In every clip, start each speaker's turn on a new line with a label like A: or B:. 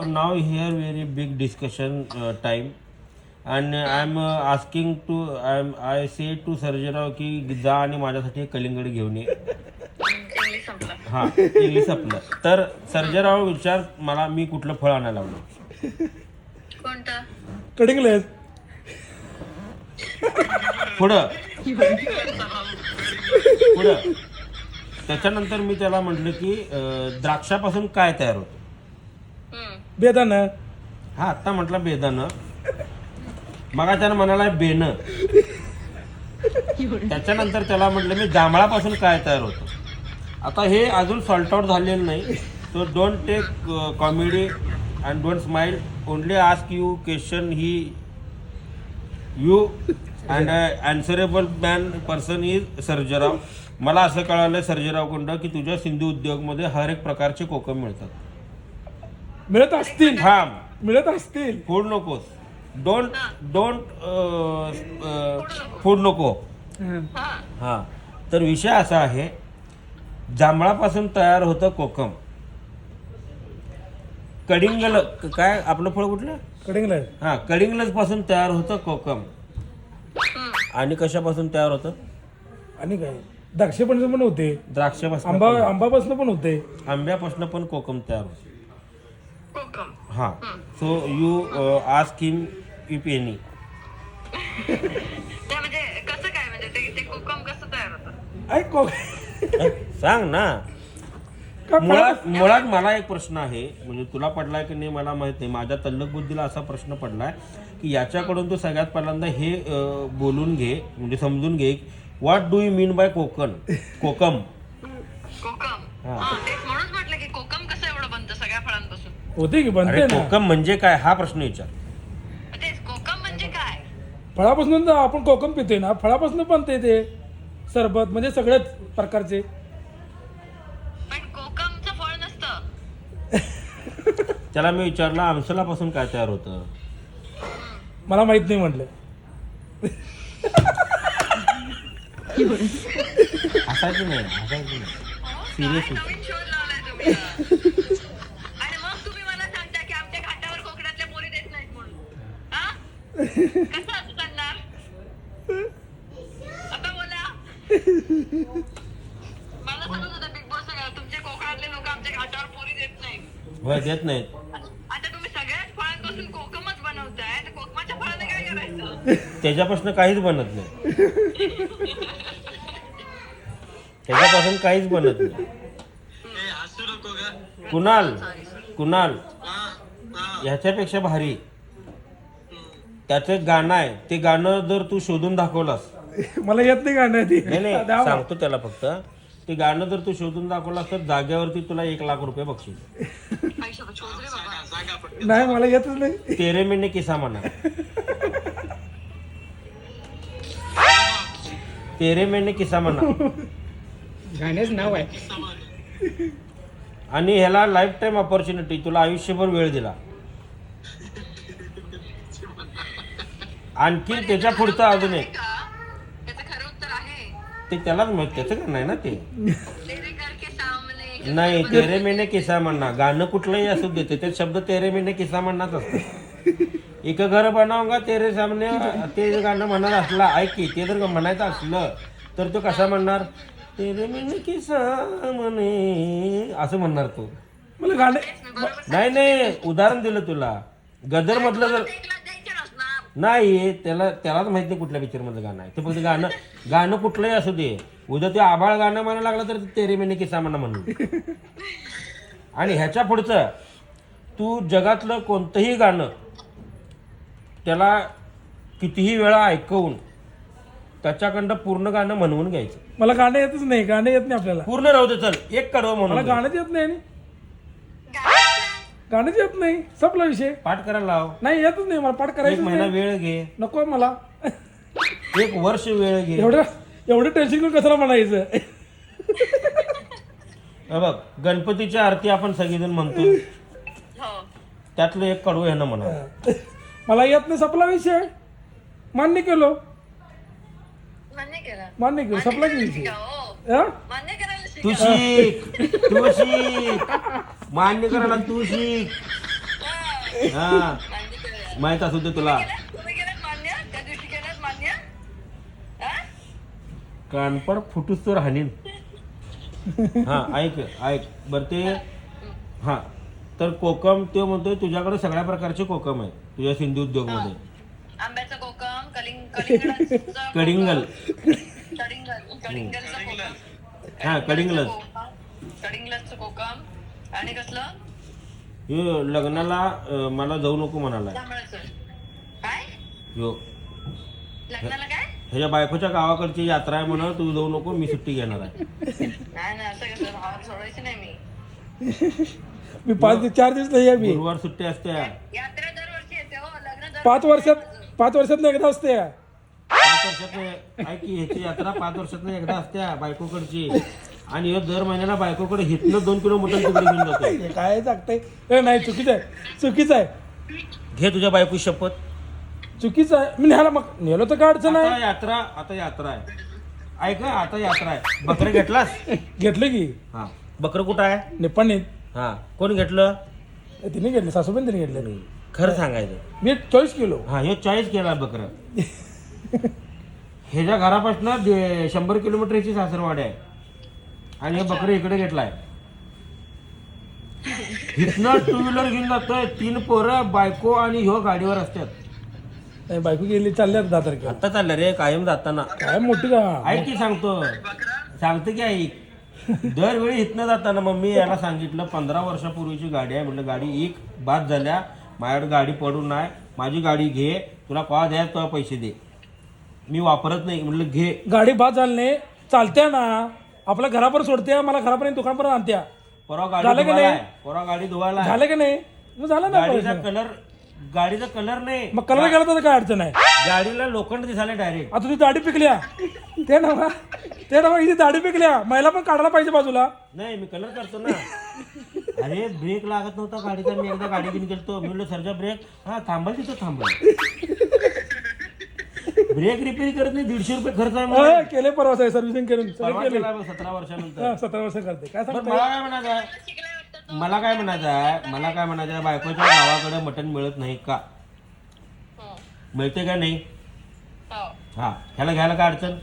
A: Now here very big discussion time, and I'm asking to I say to Sarjerao की जा आणि माझ्यासाठी कलिंगड घेऊन ये.
B: इंग्लिश संपलं.
A: हा इंग्लिश आपलं. तर सर्जेराव विचार मला मी कुठलं फळ आणायला लावलं.
B: कोणतं?
C: कडिंगलेस
A: पुढं पुढं त्याच्यानंतर मी त्याला म्हटलं की द्राक्षापासून काय तयार होतं.
C: बेदाना
A: हा आत्ता म्हटलं बेदानं. मग त्यानं म्हणाला बेनं. त्याच्यानंतर त्याला म्हटलं मी जांभळापासून काय तयार होतं. आता हे अजून सॉल्ट आउट झालेलं नाही. तो don't take comedy and don't smile. Only ask you question he you and answerable man person is Sarjerao. मला असं कळालं सर्जेरावकडं की तुझ्या सिंधू उद्योगमध्ये हर एक प्रकारचे कोकम मिळतात.
C: मिळत असतील
A: थांब
C: मिळत असतील
A: फूड नकोस. डोंट डोंट फूड नको. हां तर विषय असा आहे जांभळापासून तयार होतं कोकम. कडिंगल काय आपलं फळ कुठलं
C: कडिंगलेस
A: हां कडिंगलज पासून तयार होतं कोकम. आणि कशापासून तयार होतं.
C: आणि काय द्राक्षेपणाचं पण होते
A: द्राक्षापासून
C: आंबापासून पण होते
A: आंब्यापासून पण कोकम तयार होतं.
B: कोकम.
A: हां so you ask him if any.
B: ते म्हणजे कसं काय म्हणजे ते कोकम कसं तयार होतं?
C: ऐक
A: सांग ना. मुळात मला एक प्रश्न आहे म्हणजे तुला पडलाय की नाही मला माहित नाही. माझ्या तल्लक बुद्धीला असा प्रश्न पडलाय की याच्याकडून तू सगळ्यात पहिल्यांदा हे बोलून घे म्हणजे समजून घे. What do you mean by kokum.
B: कोकम.
A: हा.
B: हा, तेच म्हणूनच म्हटलं की कोकम कसं एवढं बनतं सगळ्या फळांपासून.
C: होते की बनते
A: अरे
C: ना
A: कोकम म्हणजे काय हा प्रश्न विचार.
B: तेच कोकम म्हणजे काय?
C: फळापासून तर आपण कोकम पितोय ना फळापासून बनते ते सरबत म्हणजे सगळ्याच प्रकारचे.
B: पण कोकमचं फळ नसतं.
A: त्याला मी विचारलं आमसलापासून काय तयार होतं.
C: मला माहित नाही म्हटलं.
A: हसायचं नाही सिरियस.
B: काय नवीन शोध लावलाय तुम्ही. आणि मग तुम्ही मला सांगता की आमच्या घाटावर कोकणातल्या पोरी देत नाहीत म्हणून. हा? कसं असं चालणार? आता बोला. मला सांगत होता बिग बॉस तुमच्या कोकणातले लोक आमच्या घाटावर पोरी देत नाहीत.
A: होय देत नाहीत.
B: आता तुम्ही सगळ्याच फळांपासून कोकमच बनवताय तर कोकमाच्या फळाने काय करायचं?
A: त्याच्यापासून काहीच बनत नाही. त्याच्यापासून काहीच बनत नाही. कुणाल ह्याच्यापेक्षा भारी त्याचं गाणं आहे. ते गाणं जर तू शोधून दाखवलास
C: मला येत नाही गाणं ते.
A: नाही
C: द्या मला.
A: सांगतो त्याला फक्त ते गाणं जर तू शोधून दाखवलास तर जाग्यावरती तुला 1,00,000 रुपये बक्षीस.
B: आयुष्यात शोध रे बाबा.
C: नाही मला येतच नाही.
A: तेरे मेने किसा म्हणा. तेरे मेने किसा म्हणा
C: गाण्याच नाव आहे.
A: आणि ह्याला लाईफ टाईम ऑपॉर्च्युनिटी. तुला आयुष्यभर वेळ दिला. आणखी त्याच्या पुढचं अजून एक
B: त्याचं खरं उत्तर आहे.
A: ते त्यालाच माहित. त्याचं का नाही ना ते
B: तेरे घर के सामने.
A: नाही. तेरे मेने किसा म्हणा गाणं कुठलंही असू देते ते शब्द तेरे मेने किसा म्हणणार असतं. एक घर बनावंगा तेरे सामने ते गाणं म्हणणार असला ऐक की ते जर म्हणायचं असलं तर तो कसा म्हणणार. तेरे मेने किसा म्हणे असं म्हणणार तो.
C: मला गाणे
A: नाही उदाहरण दिलं तुला. गदर मधलं जर
B: द्यायचे नसणार.
A: नाही त्यालाच माहित नाही कुठल्या पिक्चर मधलं गाणं आहे. ते फक्त गाणं कुठलंही असू दे. उद्या ते आबाळ गाणं म्हणायला लागलं तर तेरे मेने किसा म्हणा म्हणून. आणि ह्याच्या पुढचं तू जगातलं कोणतंही गाणं त्याला कितीही वेळा ऐकवून त्याच्याकडं पूर्ण गाणं म्हणवून घ्यायचं.
C: मला गाणं येतच नाही. गाणं येत नाही आपल्याला.
A: पूर्ण राहू दे चल एक कडवं
C: मला
A: म्हणून
C: गाणंच येत नाही. गाणंच येत नाही. संपला विषय.
A: पाठ करायला लाव.
C: नाही येतच नाही मला पाठ
A: 1
C: करायचं
A: महिना
C: नाही.
A: वेळ घे.
C: नको मला
A: 1 वर्ष वेळ घे.
C: एवढं टेन्शन घेऊन कशाला म्हणायचं.
A: बघ गणपतीच्या आरती आपण सगळेजण म्हणतो.
B: हो.
A: त्यातलं एक कडवं ह्यानं म्हणा.
C: मला येत नाही. संपला विषय. मान्य केलो.
B: मान्य केलं.
C: संपला की विषय.
B: हो.
C: हा?
B: मान्य करायला
A: तू
B: शिका.
A: शिक मान्य करायला तू शिक. हा
B: मान्य केलं.
A: माहित असू दे तुला.
B: तुम्ही केलं मान्य त्या दिवशी केलं मान्य हा?
A: कानपड फुटूस तर हानीन. हा ऐक बर ते हा तर कोकम तो म्हणतोय तुझ्याकडे सगळ्या प्रकारचे कोकम आहे तुझ्या सिंधू उद्योग मध्ये.
B: आंब्याचं कोकम कलिंगडाचं कोकम,
A: कडिंगल
B: कडिंगलचं कोकम,
A: हा कडिंगलच.
B: कडिंगलचं कोकम आणि कसलं
A: ह्यो लग्नाला मला जाऊ नको म्हणाला
B: जांभळाचं काय
A: ह्यो
B: लग्नाला काय
A: ह्याच्या बायकोच्या गावाकडची यात्रा आहे म्हणून तू जाऊ नको मी सुट्टी घेणार आहे.
B: नाही नाही असं कसं भावाला सोडायचं नाही मी.
C: मी 4 दिवस नाही आहे मी.
A: गुरुवार सुट्टी असते.
B: यात्रा दरवर्षी येते हो लग्न दरवर्षी
C: 5 वर्षात एकदा असते.
A: 5 वर्षात ऐक की ह्याची यात्रा 5 वर्षात एकदा असते बायकोकडची आणि ह्यो दर महिन्याला बायकोकडे हितनं 2 किलो मटण तिकडे घेऊन जातो.
C: हे काय सांगताय नाही चुकीचं आहे
A: घे तुझ्या बायको शपथ.
C: चुकीचं आहे. मी न्यायला मग नेलो तर काय अडचण आहे.
A: आता यात्रा आहे. ऐक आता यात्रा आहे. बकरं घेतलास?
C: घेतलं की
A: हा बकरं कुठं आहे?
C: निप्पाणीत
A: हा कोण घेतलं?
C: तिने घेतले सासूबाई तिने घेतले.
A: खरं सांगायचं
C: मी 40 किलो.
A: हा हे 40 केला बकरं. ह्याच्या घरापासून 100 किलोमीटर ह्याची सासरवाडी आहे आणि हे बकरं इकडे घेतलाय. इथनं 2 व्हीलर घेऊन जातोय. 3 पोरं बायको आणि ह्यो गाडीवर असतात.
C: नाही बायको गेली चालल्या 10 तारखेला.
A: आता चाललं रे कायम जाताना.
C: काय मोठी का
A: ऐक की सांगतो की ऐक दरवेळी इथनं जाताना मग मी याला सांगितलं 15 वर्षापूर्वीची गाडी आहे म्हटलं गाडी एक बाद झाल्या माझ्याकडे गाडी पडून नाही माझी गाडी घे तुला कवा द्या तुला पैसे दे मी वापरत नाही म्हटलं घे.
C: गाडी बाद झाली नाही चालत्या ना आपल्या घरापर्यंत सोडत्या मला घरापर्यंत दुकानपर्यंत आणत्या.
A: परवा
C: झालं का नाही?
A: गाडी धुवायला
C: झालं की नाही मग झालं ना
A: गाडीचा कलर नाही
C: मग कलर गेला तर काय अडचण आहे.
A: गाडीला लोखंड दिसायला डायरेक्ट.
C: आता तुझी दाढी पिकल्या ते ना हिची दाढी पिकल्या महिला पण काढायला पाहिजे बाजूला.
A: नाही मी कलर करतो ना. अरे ब्रेक लागत नव्हता गाडीचा मी एकदा गाडी घेऊन गेलतो मी म्हणलं सरजा ब्रेक हा थांबल तिथं थांबल. ब्रेक रिपेअर करत नाही 150 रुपये खर्च आहे मला.
C: केले परवा सर्व्हिसिंग करून
A: परवा केला बघ, 17 वर्षानंतर.
C: 17 वर्ष करते काय
A: बरं,
C: सांगता.
A: मला काय म्हणायचं आहे बायकोच्या गावाकडे मटण मिळत नाही का? मिळते का नाही?
B: हो
A: हा ह्याला घ्यायला काय अडचण?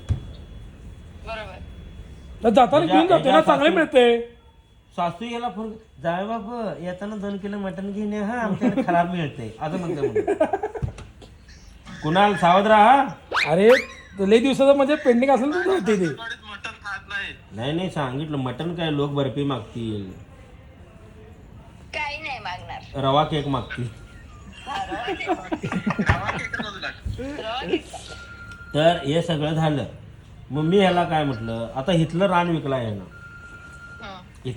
B: बरोबर
C: जाताना घेऊन जातो ना चांगले मिळते.
A: सासू याला फोन जाय बाबा येताना 2 किलो मटण घेऊन ये हा आमच्याकडे खराब मिळते असं म्हणतो. कुणाल सावध राहा.
C: अरे लई दिवसाचं म्हणजे पेंडिंग असेल तर होते ते.
A: नाही सांगितलं मटण काय लोक बर्फी मागतील
B: काही नाही मागणार
A: रवा केक मागतील. तर हे सगळं झालं मग मी ह्याला काय म्हटलं आता इथलं रान विकला आहे ना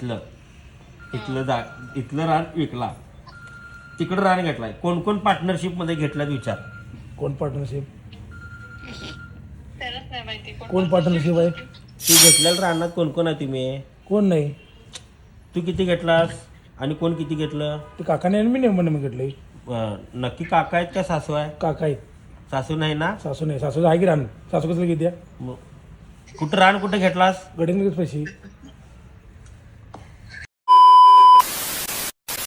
A: इथलं रान विकला तिकडं रान घेतलाय. कोण पार्टनरशिप मध्ये घेतला विचार.
C: कोण पार्टनरशिप
B: त्यालाच नाही माहिती
C: कोण पार्टनरशिप आहे.
A: तू घेतलेल्या रानात कोण आहे तुम्ही?
C: कोण नाही
A: तू किती घेतलास आणि कोण किती घेतलं?
C: ते काकाने आणि मी नेमून घेतलंय.
A: नक्की काका आहेत का सासू आहे?
C: काका आहेत.
A: सासू नाही ना?
C: सासू नाही सासू आहे की रान सासू कसं घेत्या
A: कुठं रान कुठं घेतलास?
C: गडिंग पैसे